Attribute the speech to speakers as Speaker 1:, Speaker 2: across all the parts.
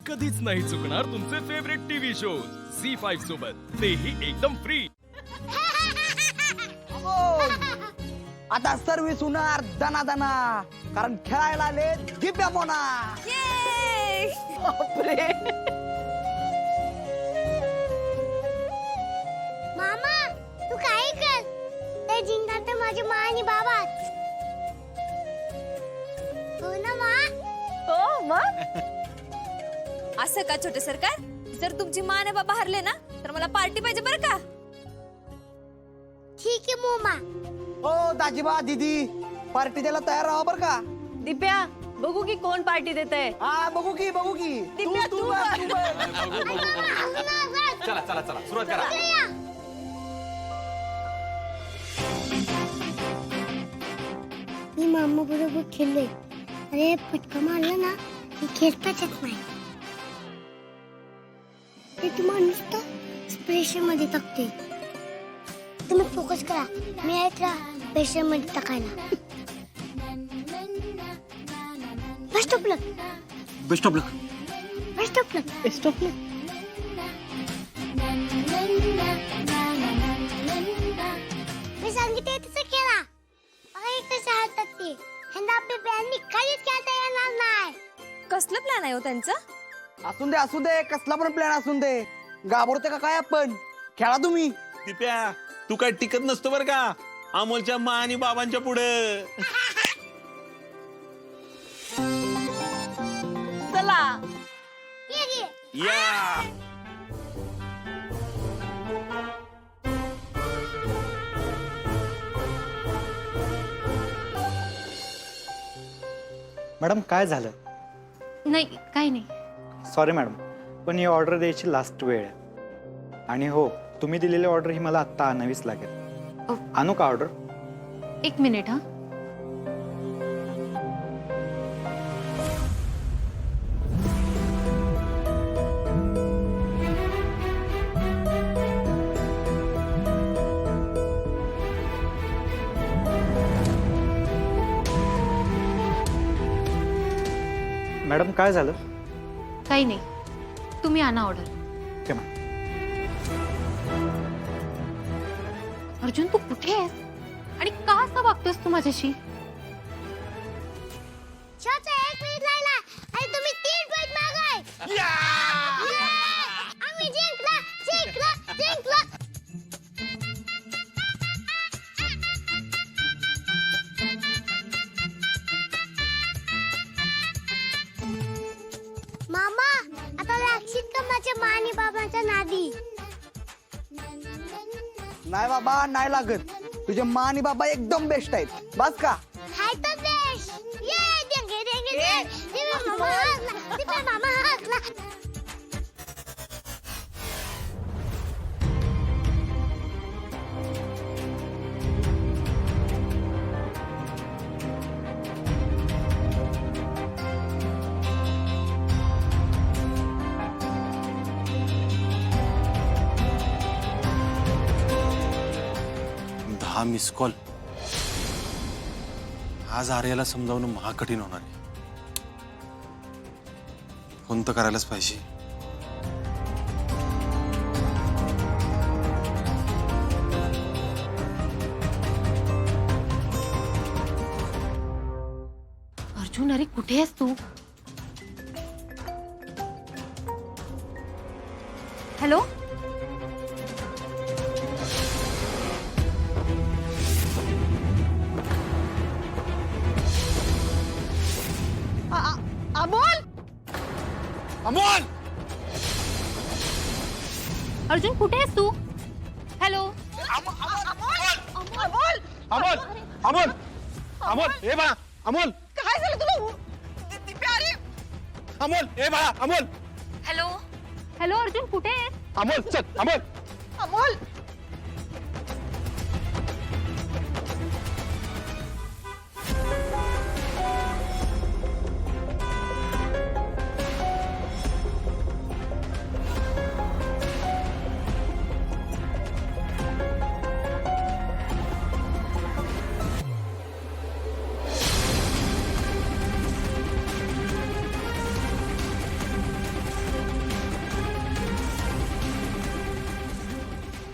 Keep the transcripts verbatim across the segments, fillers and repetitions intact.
Speaker 1: कधीच नाही चुकणार तुमचे favourite TV shows C five सोबत, तेही एकदम फ्री.
Speaker 2: आता सर्व्हिस होणार दना दना, कारण खेळायला आले दिव्या मोना. बापरे.
Speaker 3: मामा तू काय कर, ते जिंकणार तर माझी मा आणि बाबा. हो ना मा?
Speaker 4: हो मग. असं का छोटे सरकार, जर तुमची मा आणि बाबा हरले ना तर मला पार्टी पाहिजे बरं का.
Speaker 3: ठीक आहे मोमा.
Speaker 2: हो दाजीबा दीदी, पार्टी द्यायला तयार राहा बर का.
Speaker 5: दिप्या बघू की कोण पार्टी देते.
Speaker 2: हा बघू की बघू की.
Speaker 5: दिप्या तू बघ.
Speaker 1: चला चला चला सुरुवात करा.
Speaker 3: मी मामा बरोबर खेळलोय. अरे फटका मारला ना की खेळताच येत नाही. ते तुम्हाला नुसतं स्प्रेशन मध्ये टाकते. तुम्ही फोकस करा, मी आहेत ना प्रेशर मध्ये टाकायला. Best of luck.
Speaker 6: Best of luck.
Speaker 3: Best of luck. Best of luck. मी सांगितले तसं केला. बघा एक कसे हातात ते. ह्यांना आपल्या प्लॅननी काहीच खेळता येणार नाही.
Speaker 4: कसलं प्लॅन आहे हो त्यांचं.
Speaker 2: असून दे असू दे, कसला पण प्लॅन असून दे. घाबरते का काय आपण, खेळा तुम्ही.
Speaker 6: दिप्या तू काय टिकत नसतो बर का अमोलच्या मा आणि बाबांच्या पुढे.
Speaker 5: चला
Speaker 3: ये घे.
Speaker 6: या
Speaker 7: मॅडम काय झालं.
Speaker 8: नाही काही नाही.
Speaker 7: सॉरी मॅडम, पण ही ऑर्डर द्यायची लास्ट वेळ आहे. आणि हो, तुम्ही दिलेली ऑर्डर ही मला आत्ता आणावीच लागेल.
Speaker 8: ओ.
Speaker 7: आणू का ऑर्डर.
Speaker 8: एक मिनिट हा.
Speaker 7: मॅडम काय झालं.
Speaker 8: काही नाही, तुम्ही आणा ऑर्डर.
Speaker 7: Okay ma'am.
Speaker 8: अर्जुन तू कुठे आहेस आणि का असा वागतोस तू माझ्याशी.
Speaker 3: शोचा एक मिनिट राहिला आणि तुम्ही तीन पॉइंट मागाय. आम्ही जिंकला जिंकला जिंकला. मामा आता लागशील का माझ्या मा आणि बाबांच्या नादी.
Speaker 2: नाही बाबा नाही लागत, तुझे मा आणि बाबा एकदम बेस्ट आहेत. बस का.
Speaker 3: हाय तर बेश. ये देंगे देंगे दे. दिव्या मामा हसला. दिव्या मामा हसला.
Speaker 6: दहा मिस कॉल. आज आर्याला समजावणं महाकठीण होणार आहे. फोन तर करायलाच पाहिजे.
Speaker 8: अर्जुन अरे कुठे आहेस तू. हॅलो.
Speaker 5: अमोल.
Speaker 6: अमोल
Speaker 8: अर्जुन कुठे आहेस तू. हॅलो.
Speaker 5: अमोल
Speaker 6: अमोल अमोल अमोल ए बाळा अमोल.
Speaker 5: काय झालं तुला. दिप्या अरे.
Speaker 6: अमोल ए बाळा अमोल.
Speaker 8: हॅलो. हॅलो अर्जुन कुठे आहेस.
Speaker 6: अमोल चल अमोल.
Speaker 5: अमोल.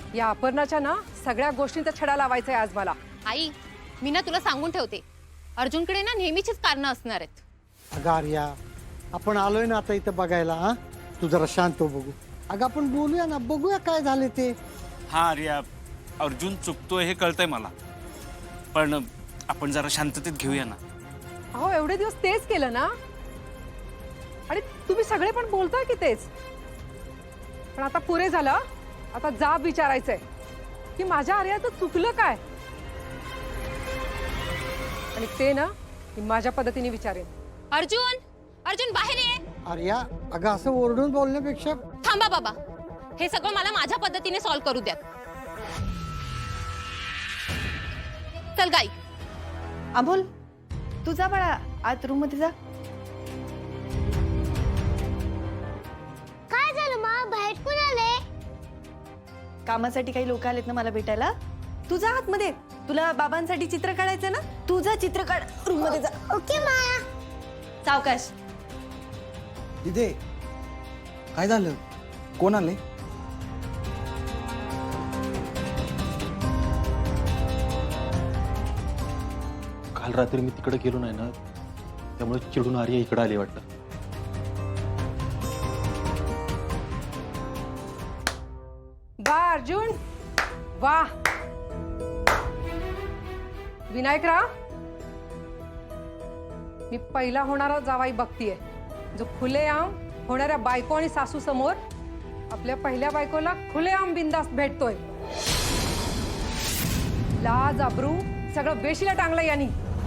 Speaker 9: या अपर्णाच्या ना सगळ्या गोष्टींचा छडा लावायचा आहे आज मला.
Speaker 8: आई मी ना तुला सांगून ठेवते, अर्जुनकडे ना नेहमीचीच कारणं असणार आहेत.
Speaker 10: अगं आर्या, आपण आलोय ना आता इथं बघायला. हा तू जरा शांत हो, बघू. अगं आपण बोलूया ना, बघूया काय झाले ते.
Speaker 11: हा आर्या, अर्जुन चुकतोय हे कळतंय मला, पण आपण जरा शांततेत घेऊया ना.
Speaker 9: अहो एवढे दिवस तेच केलं ना, आणि तुम्ही सगळे पण बोलताय की तेच. पण आता पुरे झालं. आता जाब विचारायचंय की माझ्या आर्याचं चुकलं काय, आणि ते ना मी माझ्या पद्धतीने विचारेन.
Speaker 8: अर्जुन, अर्जुन बाहेर ये.
Speaker 10: आर्या, अगं असं ओरडून बोलण्यापेक्षा
Speaker 8: थांबा बाबा, हे सगळं मला माझ्या पद्धतीने सॉल्व्ह करू द्या. चल गाई.
Speaker 5: अमोल, तू जा बाळा, आत रूम मध्ये जा.
Speaker 3: काय झालं मा, बाहेर कोण आले?
Speaker 5: कामासाठी काही लोक आलेत ना मला भेटायला. तू जा आतमध्ये, तुला बाबांसाठी चित्र काढायचं ना, तू जा चित्र काढ, रूम मध्ये जा.
Speaker 3: ओके मा.
Speaker 5: सावकाश.
Speaker 2: तिथे काय झालं? कोण आले?
Speaker 12: काल रात्री मी तिकडे गेलो नाही ना, त्यामुळे चिडून आर्या इकडे आली वाटतं.
Speaker 9: वा अर्जुन, वा. विनायकराव, मी पहिला होणारा जावाई बघतीये जो खुलेआम होणाऱ्या बायको आणि सासू समोर आपल्या पहिल्या बायकोला खुलेआम बिंदास्त भेटतोय. लाज अब्रू सगळं वेशीला टांगलं यांनी.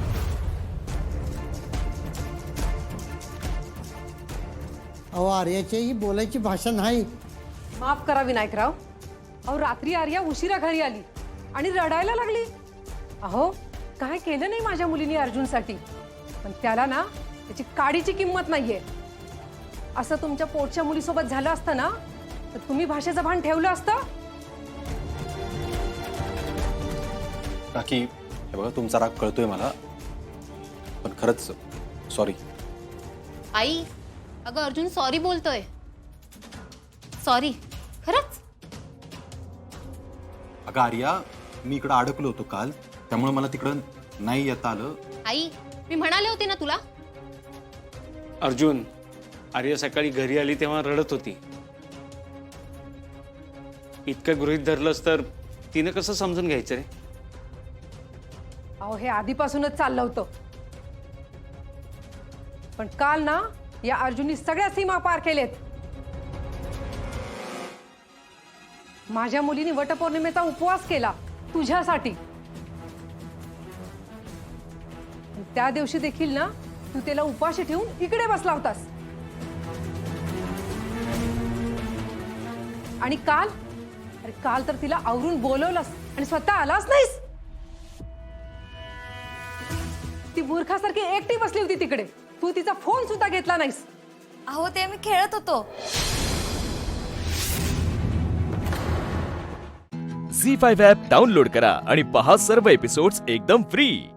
Speaker 10: अहो आर्याची ही बोलायची भाषा नाही.
Speaker 9: माफ करा विनायकराव. अहो रात्री आर्या उशिरा घरी आली आणि रडायला लागली. अहो काय केलं नाही माझ्या मुलीने अर्जुनसाठी, पण त्याला ना त्याची काडीची किंमत नाहीये. असं तुमच्या पोटच्या मुलीसोबत झालं असतं ना, तर तुम्ही भाषेचं भान ठेवलं असतं.
Speaker 12: काकी, हे बघा तुमचा राग कळतोय मला, पण खरंच सॉरी.
Speaker 8: आई, अगं अर्जुन सॉरी बोलतोय. सॉरी खरंच.
Speaker 12: अगं आर्या, मी इकडं अडकलो होतो काल, त्यामुळे मला तिकडं नाही येता आलं.
Speaker 8: आई, मी म्हणाले होते ना तुला.
Speaker 11: अर्जुन, आर्या सकाळी घरी आली तेव्हा रडत होती. इतकं गृहीत धरलंस तर तिने कसं समजून घ्यायचं रे?
Speaker 9: अहो हे आधीपासूनच चाललं होतं, पण काल ना या अर्जुननी सगळ्या सीमा पार केलेत. माझ्या मुलीने वटपौर्णिमेचा उपवास केला तुझ्यासाठी. त्या दिवशी देखील ना तू त्याला उपाशी ठेवून इकडे बसला होतास. आणि काल, अरे काल तर तिला आवरून बोलवलंस आणि स्वतः आलाच नाहीस. ती मूर्खासारखी एकटी बसली होती तिकडे, तू तिचा फोन सुद्धा घेतला नाहीस.
Speaker 4: अहो ते मी खेळत होतो.
Speaker 1: झी फाईव्ह ॲप डाउनलोड करा आणि पहा सर्व एपिसोड्स एकदम फ्री.